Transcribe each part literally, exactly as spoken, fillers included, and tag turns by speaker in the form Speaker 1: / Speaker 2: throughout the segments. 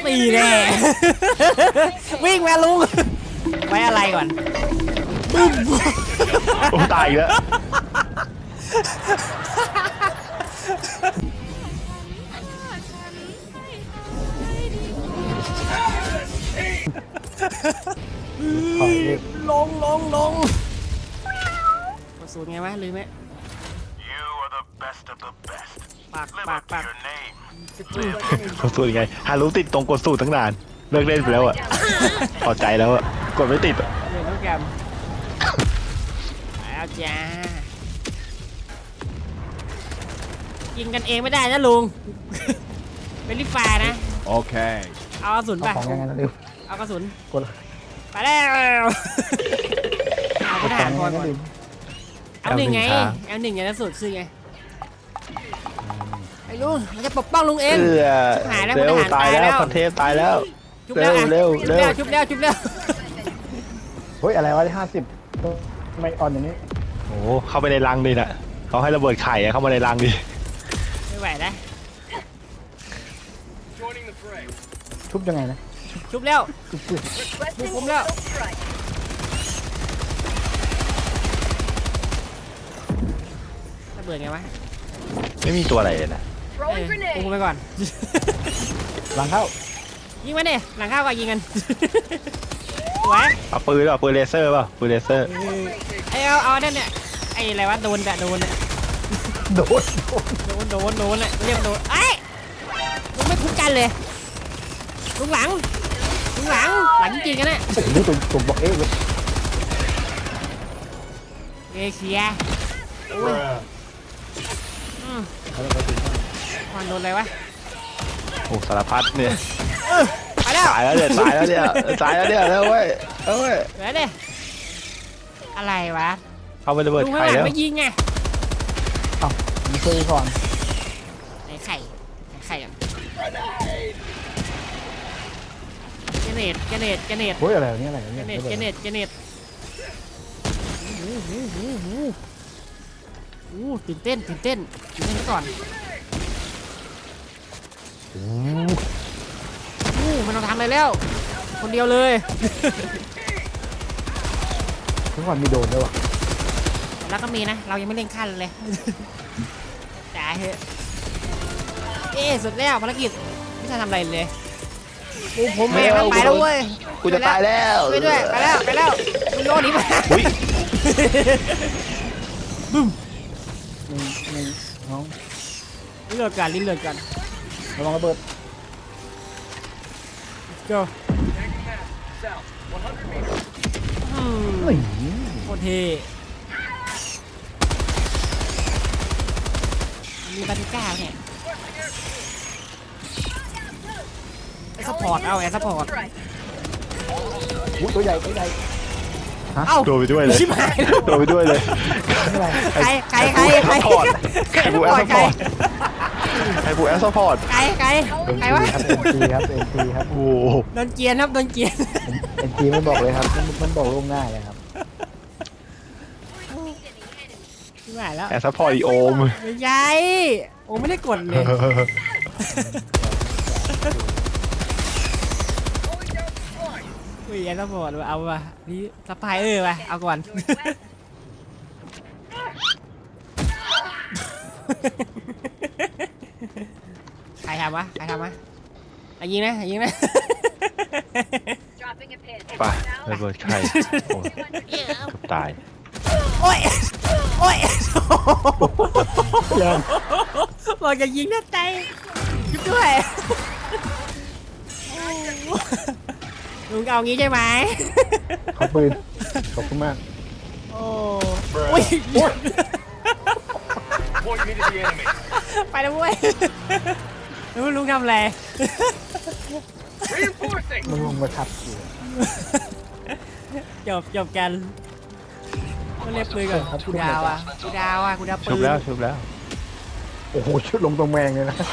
Speaker 1: ตีแน่วิ่งมาลุงไว้อะไรก่อนบึ้ม
Speaker 2: โอ้ตายแล้ว
Speaker 1: ลงลงลงกระสุนไงวะลืมไหมปากปากปาก
Speaker 2: กดสูตรไงฮารุติดตรงกดสูตรตั้งนานเลิกเล่นไปแล้วอะพอใจแล้วอะกดไม่ติดอะ
Speaker 1: เล่นน้องแกมแล้วจ้ายิงกันเองไม่ได้นะลุงเป็นลิฟานะ
Speaker 3: โอเค
Speaker 1: เอากระสุนไป
Speaker 4: ของยังไงนะดิว
Speaker 1: เอากระสุน
Speaker 4: กด
Speaker 1: ไปแล้วเอากระดาษก่อนเอาหนึ่งไงเอาหนึ่งไงแล้วสุดคือไงไอ้ลุงมันจะปกป้องลุงเองหายแล้วพลทหารตายแล้ว
Speaker 2: พันเทพตายแล้ว
Speaker 1: เร็วเร็วเร็วชุบแล้วชุบแล้ว
Speaker 4: เฮ้ยอะไรวะที่ห้าสิบไม่อ่อนอย่างนี้
Speaker 2: โอ้เข้าไปในรังดินะเขาให้ระเบิดไข่เข้ามาในรังดิ
Speaker 1: ไม่ไหวนะ
Speaker 4: ชุบยังไงนะ
Speaker 1: ชุบแล้วชุบผมแล้วระเบิดไงวะ
Speaker 2: ไม่มีตัวอะไรเลยนะ
Speaker 1: ปุ้งไปก่อน
Speaker 4: หลังเข้า
Speaker 1: ยิงมันเนี่ยหลังเข้าก็ยิงกันสวย
Speaker 2: เอาปืนเอาปืนเลเซอร์ป่ะปืนเลเซอร์
Speaker 1: ไอเอาเอาเนี่ยเนี่ยไออะไรวะโดนแต่โดนเนี่ย
Speaker 4: โดน
Speaker 1: โดนโดนโดนเนี่ยเรียกโดนไอ้ลุงไม่คุ้มกันเลยลุงหลังลุงหลังหลังจริงกันเนี่ย
Speaker 4: นี่ตัวตัวบอกเอ๊ะ
Speaker 1: เอเชียโอ้ยมันโดนอะไรวะ
Speaker 2: โอ้สารพัดเนี่ย
Speaker 1: ตายแล้ว
Speaker 2: ตายแล้วเนี่ยตายแล้วเนี่ยตายแล้วเนี่ยแล้วเว้ยเอ้ย
Speaker 1: เหลือเนี่ยอะไรวะ
Speaker 2: เข้าไประเบิดไข่แล้ว
Speaker 1: ไม่ยิงไง
Speaker 4: เอ้ามีเคยก่อน
Speaker 1: ไอ้ไข่ไอ้ไข่อ่ะเจเนตเจเนตเจเนต
Speaker 4: เฮ้ยอะไรเนี่ยอะไร
Speaker 1: เนี่ยเจเนตเจเนตเจเนตโอ้โหโอ้โหโอ้ตื่นเต้นตื่นเต้นตื่นเต้นก่อนโอ้โหมันต้องทำอะไรแล้วคนเดียวเลย
Speaker 4: ทุกคนมีโดนด้วยวะ
Speaker 1: แล้วก็มีนะเรายังไม่เล่นขั้นเลยจ่ายเถอะเอ๊สุดแล้วภารกิจไม่ใช่ทำอะไรเลยกูผมแม่งไปแล้วเว้ย
Speaker 2: กูจะตายแล้ว
Speaker 1: ไปด้วยไปแล้วไปแล้วมึงโดนหนีมาบึ้ม
Speaker 4: นี่น้อง
Speaker 1: ลิ้นเลือดกันลิ้นเลือดกัน
Speaker 4: ระวังระเบิด
Speaker 1: เจ้าโคตรเท่มีบาติก้าเนี่ยไอ้ซัพพอร์ตเอาไอ้ซัพพอร์ต
Speaker 4: ตัวใหญ่ตัวใหญ่
Speaker 1: เอ้า
Speaker 2: โดนไปด้วยเลยโดนไปด้วยเลย
Speaker 1: ใครใครใครใคร
Speaker 2: ใครบูแอสซัพพอร์ตใครบูแอสซัพพอร์ต
Speaker 1: ใครใครใครวะ
Speaker 4: เอ็นจีครับเอ็นจีครับ
Speaker 2: โอ้
Speaker 1: โดนเกียร์ครับโดนเกียร์
Speaker 4: เอ็นจีไม่บอกเลยครับมันบอกล่วงหน้าเลยครับ
Speaker 1: ไม่ไหวแล้ว
Speaker 2: แอสซัพพอร์ตอีโอม
Speaker 1: ไม่ใช่โอไม่ได้กดเลยอุ้ยแอสซัพพอร์ตเอาว่ะนี่สปายเออว่ะเอาก่อนใครทำวะใครทำวะไอ้ยิงนะไอ้ยิงนะ
Speaker 2: ไประเบิดไข่โอ้ตาย
Speaker 1: โอ้ยโอ้ยบอกจะยิงนะใจยุบด้วยลุงเอางี้ใช่ไหม
Speaker 4: ขอบปืนขอบคุณมาก
Speaker 1: โอ้ยไปแล้วเว้ยลุงลุงทำอะไร
Speaker 4: มึงลงมาทับ
Speaker 1: จบจบกันก็เรียกปืนก่อนกูดาวอ่ะกูดาวอ่ะกูดาวปืน
Speaker 2: ชุบแล้วชุบแล้ว
Speaker 4: โอ้โหชุดลงตรงแมงเลยนะ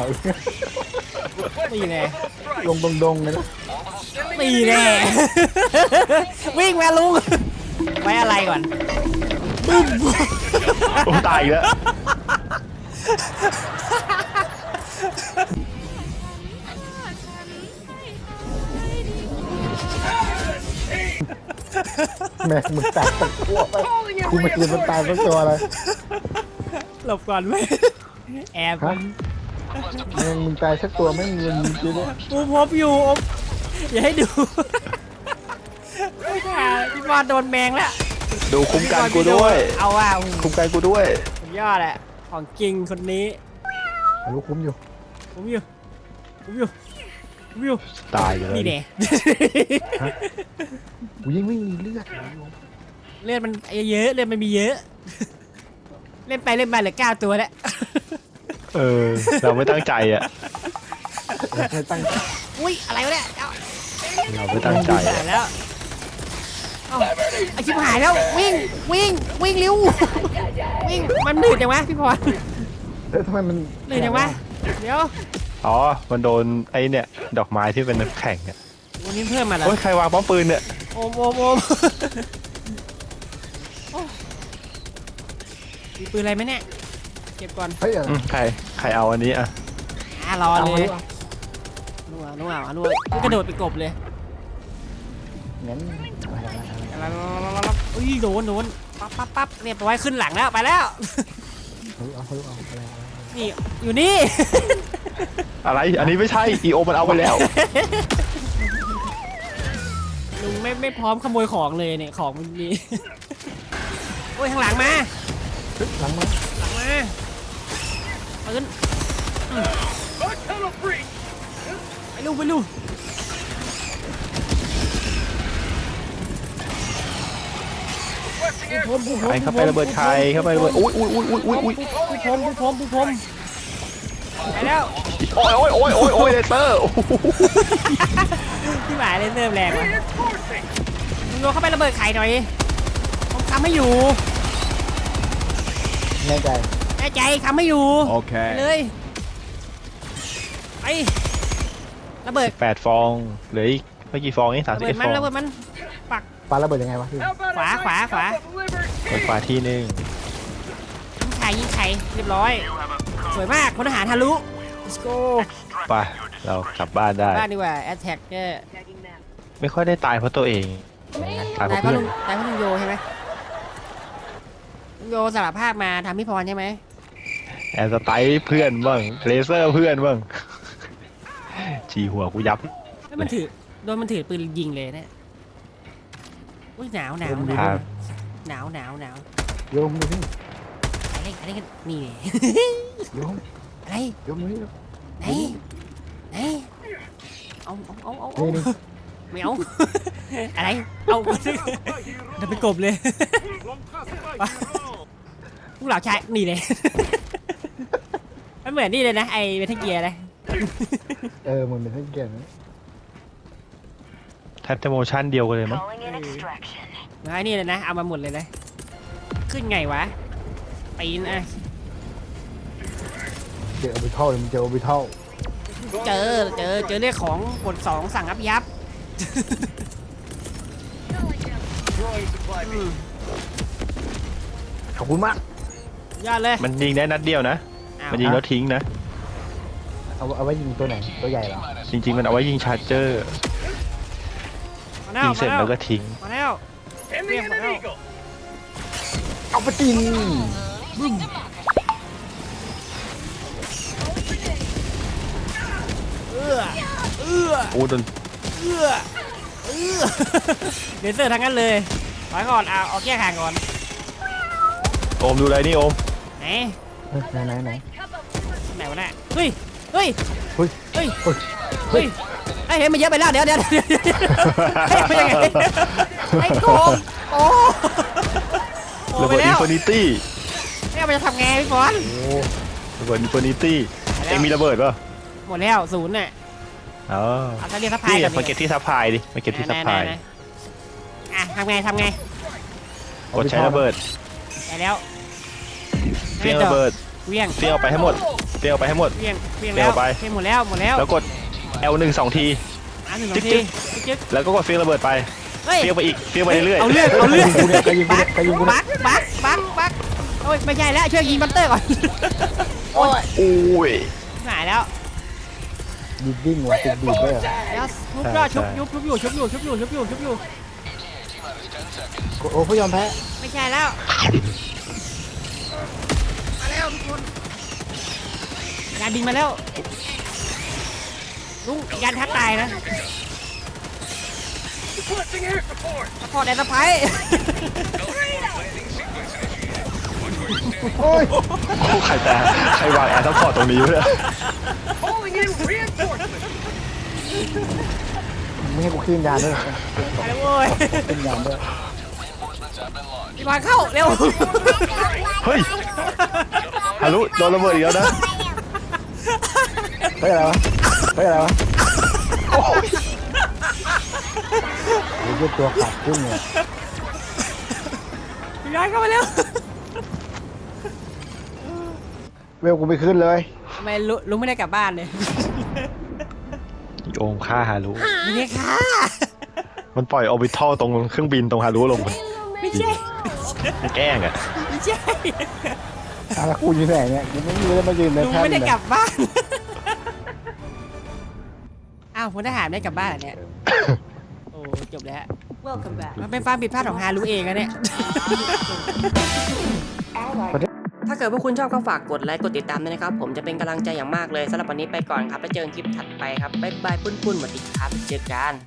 Speaker 1: ตีแน่
Speaker 4: ลงตรงดงเลยนะ
Speaker 1: ตีแน่วิ่งมาลุงไว้อะไรก่อนบึ้ม
Speaker 2: โอ้ตายแล้ว
Speaker 4: แม่งมึงแตกสักตัวไปกูไม่คิดมันตายสักตัวเลย
Speaker 1: หลบก่อนไหมแอบ
Speaker 4: ฮะแม่งมึงตายสักตัวไม่มีเงินจริงๆเนี่ย
Speaker 1: กูพบอยู่อมอย่าให้ดูไม่ค่ะพี่บอลโดนแมงแล้ว
Speaker 2: ดูคุ้มกันกูด้วย
Speaker 1: เอาว่ะ
Speaker 2: คุ้มกันกูด้วย
Speaker 1: สุดยอดแหละของจริงคนนี้
Speaker 4: รู้คุ้มอยู่
Speaker 1: ผมอยู่ผมอยู่ผมอยู่
Speaker 2: ตายอยู่แล้ว
Speaker 1: นี่เน่
Speaker 4: กูยิ่งไม่มีเลือด
Speaker 1: เลือดมันเยอะเลือดมันมีเยอะ เล่นไปเล่นมาเหลือเก้าตัวแล้ว
Speaker 2: เออ เราไม่ตั้งใจอ่ะ
Speaker 4: ไม่ตั้ง
Speaker 1: อุ้ยอะไรวะเนี่ยเอา
Speaker 2: เราไม่ตั้งใจ
Speaker 1: ตายแล้วเอ้าไอชิบหายแล้ววิ่งวิ่งวิ่งเร็ววิ่งมันหนืดจังวะพี่พร
Speaker 4: เอ้ยทำไมมัน
Speaker 1: หนืดจังวะเดี๋ยว
Speaker 2: อ๋อ มันโดนไอ้เนี่ย ดอกไม้ที่เป็นน้ำแข็งเนี่ย
Speaker 1: วันนี้เพิ่มมาแล้ว
Speaker 2: โอ้ยใครวางป้อมปืนเนี่ย
Speaker 1: โอมโอมโอมโอ้มีปืนอะไรไหมเนี่ยเก็บก่อน
Speaker 4: เฮ้ย
Speaker 2: อืมใคร ใครเอาอันนี้อ่ะ
Speaker 1: อ่ารอ
Speaker 4: เอา
Speaker 1: เล
Speaker 4: มาย
Speaker 1: นัวนัวนัวกระโดดไปกบเลย
Speaker 4: งั้นอะไรอะไรอะไร
Speaker 1: แล้วอุ้ยโดนโดนปั๊บปั๊บปั๊บเรียบร้อยขึ้นหลังแล้วไปแล้ว
Speaker 4: เอาเอาเอาเอาอะไรอะไร
Speaker 1: นี่อยู่นี่
Speaker 2: อะไร อันนี้ไม่ใช่ อีโอมันเอาไปแล้ว
Speaker 1: ลุงไม่ไม่พร้อมขโมยของเลยเนี่ยของมันมี โอ้ยข้างหลังมา
Speaker 4: หลังมา
Speaker 1: หลังมาปืนอืมไปลูกไปลูกผู้พรมผู้พรม
Speaker 2: ใครเข้าไประเบิดใครเข้าไประเบิด อุ้ยอุ้ยอุ้ยอุ้ยอุ้ยอุ้ย
Speaker 1: ผู้พรมผู้พรมผู้พรมไปแล้ว
Speaker 2: โอ้ยโอ้ยโอ้ยโอ้ยโอ้ยเลเตอร์โอ้โห
Speaker 1: ที่หมายเลยเริ่มแรงว่ะลุงโยเข้าไประเบิดไข่หน่อยผมค้ำให้อยู่
Speaker 4: แน่ใจ
Speaker 1: แน่ใจค้ำให้อยู่
Speaker 2: โอเค
Speaker 1: ไปเลยไประเบิด
Speaker 2: แปดฟองเหลืออีกไม่กี่ฟองเองสาม
Speaker 1: ระ
Speaker 2: สิบ
Speaker 1: เบิ
Speaker 2: เอ็
Speaker 1: ด
Speaker 2: ด
Speaker 1: มัน
Speaker 2: ฟอง
Speaker 1: ระเบิดมันปัก
Speaker 4: ปาระเบิดยังไงวะพี่
Speaker 1: ขวาขวาขวา
Speaker 2: เปิดฝาที่หนึ่ง
Speaker 1: ยิงไข่ยิงไข่เรียบร้อยสวยมากคนทหารทะลุ let's go
Speaker 2: ไปเรากลับบ้านได้
Speaker 1: บ้านดีกว่า attack เนี่ย
Speaker 2: ไม่ค่อยได้ตายเพราะตัวเองตายเพ
Speaker 1: ตาย
Speaker 2: ราะ
Speaker 1: เพราะ
Speaker 2: เพื่อ
Speaker 1: ลุ
Speaker 2: น
Speaker 1: งตายเพราะลุงโยใช่ไหมลุงโยสารภาพมาทำพี่พรใช่ไหม
Speaker 2: แอนสไตล์เพื่อนบ้างเลเซอร์เพื่อนบ้างจีหัวกูยับ
Speaker 1: แล้วมันถือโดนมันถือปืนยิงเลยเนี่ยอุ้ยหนาวหนาวห
Speaker 2: ครั
Speaker 1: นาว
Speaker 2: บ
Speaker 1: หนาวหนาวหนาว
Speaker 4: โยมดูพี่
Speaker 1: อะไรอะไรกันนี่
Speaker 4: โยม
Speaker 1: อะไร
Speaker 4: โยมนี่
Speaker 1: ไหนไหนเอาเอาเอาเอาเอา
Speaker 4: นี่นี่
Speaker 1: ไม่เอา อะไรเอาเดี๋ยวไปกบเลยไปพวกเราชายนี่เลย มันเหมือนนี่เลยนะไอเวทเกียร์เลย
Speaker 4: เออมันเป็นทั้งเกมนะ
Speaker 2: แทบจะโมชั่นเดียวกันเลยมั้ง
Speaker 1: มาไอ้นี่เลยนะเอามาหมดเลยนะขึ้นไงวะปีนอ่ะ
Speaker 4: เจอออร์บิทัลเลยมันเจอออร์บิทัล
Speaker 1: เจอเจอเจอเรื่องของกดสองสั่งอับยับอืม
Speaker 4: ขอบคุณมาก
Speaker 1: ยอดเลย
Speaker 2: มันยิงได้นัดเดียวนะ
Speaker 1: อ้าว
Speaker 2: มันยิงแล้วทิ้งนะ
Speaker 4: เอาเอาไว้ยิงตัวไหนตัวใหญ่เหรอ
Speaker 2: จริงๆมันเอาไว้ยิงชาร์เจอร์
Speaker 1: มาแล้ว
Speaker 2: ยิงเสร็จ
Speaker 1: มา
Speaker 2: แล้ว
Speaker 1: แล้ว
Speaker 2: ก็ทิ้ง
Speaker 1: มาแล้วเรียกมาแล้ว
Speaker 4: เอาไปกิน
Speaker 1: เอื้อเอื้อ
Speaker 2: โอ้โดน
Speaker 1: เอื้อเอื้อเลเซอร์ทั้งนั้นเลยถอยก่อนเอาเอาแก้ห่างก่อน
Speaker 2: โอมดูอะไรนี่โอม
Speaker 1: ไหน
Speaker 4: ไหนไหนไหน
Speaker 1: ไหนวะเนี่ยเฮ้ยเฮ้ย
Speaker 4: เฮ้ย
Speaker 1: เฮ้ย
Speaker 4: เฮ้ย
Speaker 1: เฮ้ยไอ้เห็นมันเยอะไปแล้วเดี๋ยวเดี๋ยวเดี๋ยวเดี๋ยวเฮ้ยเป็นยังไงไอ้โกงโอ้โอ้
Speaker 2: ระ
Speaker 1: ไป
Speaker 2: เบิด
Speaker 1: แล้
Speaker 2: อิน
Speaker 1: ว
Speaker 2: ฟินิตี้
Speaker 1: เนี่ยมันจะทำไงพี่บอล
Speaker 4: โอ้
Speaker 2: ระเบิดอินฟินิตี้เอ็งมีระเบิดป่ะ
Speaker 1: หมดแล้วศูนย์น่ะ
Speaker 2: อ๋อ
Speaker 1: เอาถ้าเรียกทัพพาย
Speaker 2: นี่
Speaker 1: กัน
Speaker 2: มาเก็บที่ซัพพลายดิมาเก็บที่ซัพพลาย
Speaker 1: ไหนๆๆอ่ะทำไงทำไง
Speaker 2: กดใช้ระเบิด
Speaker 1: ได้แล้ว
Speaker 2: เฟี้ยงระเบิด
Speaker 1: เวียง
Speaker 2: เฟี้ยงเอาไปให้หมดเฟี้ยงเอาไปให้หมด
Speaker 1: เวียงเวียง
Speaker 2: เวียง
Speaker 1: แล้ว
Speaker 2: เอาไป
Speaker 1: เวียงหมดแล้วหมดแล้ว
Speaker 2: แล้วกด แอล หนึ่ง สองที
Speaker 1: อ่ะหนึ่งสอ
Speaker 2: จึ๊
Speaker 1: ง
Speaker 2: ก
Speaker 1: ที
Speaker 2: จึ๊ก
Speaker 1: จึ๊ก
Speaker 2: แล้วก็กดเฟี้ยงระเบิดไป
Speaker 1: เฮ้ย
Speaker 2: เฟี้ยงไปอีกเฟี้ยงไปเรื่อยๆ
Speaker 1: เอาเลือดเอาเลือด
Speaker 4: กูเนี่ยใครยิงกูเนี่ยใครยิงกูเนี่ย
Speaker 1: บักบักบักบักโอ้ยไม่ใช่แล้วช่วยยิงบัตเตอร์ก่อน
Speaker 4: โอ้ย
Speaker 2: โอ้ย
Speaker 1: หายแล้ว
Speaker 4: ยิงดิ้งว่ะติดดีดด้วยเหรอ
Speaker 1: แล้วชุบยอดชุบยุบชุบอยู่ชุบอยู่ชุบอยู่ชุบอยู่ชุบอยู่
Speaker 4: โอ้ผู้ยอมแพ้
Speaker 1: ไม่ใช่แล้ว มาแล้วทุกคนยานบินมาแล้วลุงยานทักตายนะสปอร์ตแอนด์สไปร์
Speaker 4: โอ้ย
Speaker 2: โอ้ใครแต่ใครวางแอร์ซัพพอร์ตตรงนี้วะเนี่ย
Speaker 4: ไม่ให้กูขึ้นยานด้วย
Speaker 1: ไปแล้วโว้ย
Speaker 4: ขึ้นยานด้วย
Speaker 1: พี่บอลเข้าเร็ว
Speaker 2: เฮ้ยฮารุโดนระเบิดอีกแล้วนะ
Speaker 4: เฮ้ยอะไรวะเฮ้ยอะไรวะโอ้ยยืดตัวขาดขึ้นเลย
Speaker 1: พี่บอลเข้ามาเร็ว
Speaker 4: เวลกูไม่ขึ้นเลย
Speaker 1: ทำไมลุลุงไม่ได้กลับบ้านเลย
Speaker 2: อีโอมฆ่าฮารุ
Speaker 1: ไม่ได้ค่ะ
Speaker 2: มันปล่อยออร์บิทัลตรงเครื่องบินตรงฮารุลง
Speaker 1: ไม่ใช่
Speaker 2: มันแกล้งอ่ะ
Speaker 1: ไม่ใช่
Speaker 4: อ่ะแล้วกูอยู่ไหนเนี่ยกูไม่รู้จะมายืนใน
Speaker 1: ลุง
Speaker 4: แท่น
Speaker 1: ไม่ได้
Speaker 4: เลย
Speaker 1: กลับบ้าน อ้าวพลทหารไม่ได้กลับบ้านเหรอเนี่ย โอ้จบแล้ว
Speaker 3: Welcome back.
Speaker 1: มันเป็นความผิดพลาดของฮารุเองอะเนี่ย ถ้าเกิดพวกคุณชอบก็ฝากกดไลค์กดติดตามด้วยนะครับ ผมจะเป็นกำลังใจอย่างมากเลยสำหรับวันนี้ไปก่อนครับแล้วเจอกันคลิปถัดไปครับ บ๊ายบายปุ้นๆสวัสดีครับ เจอกัน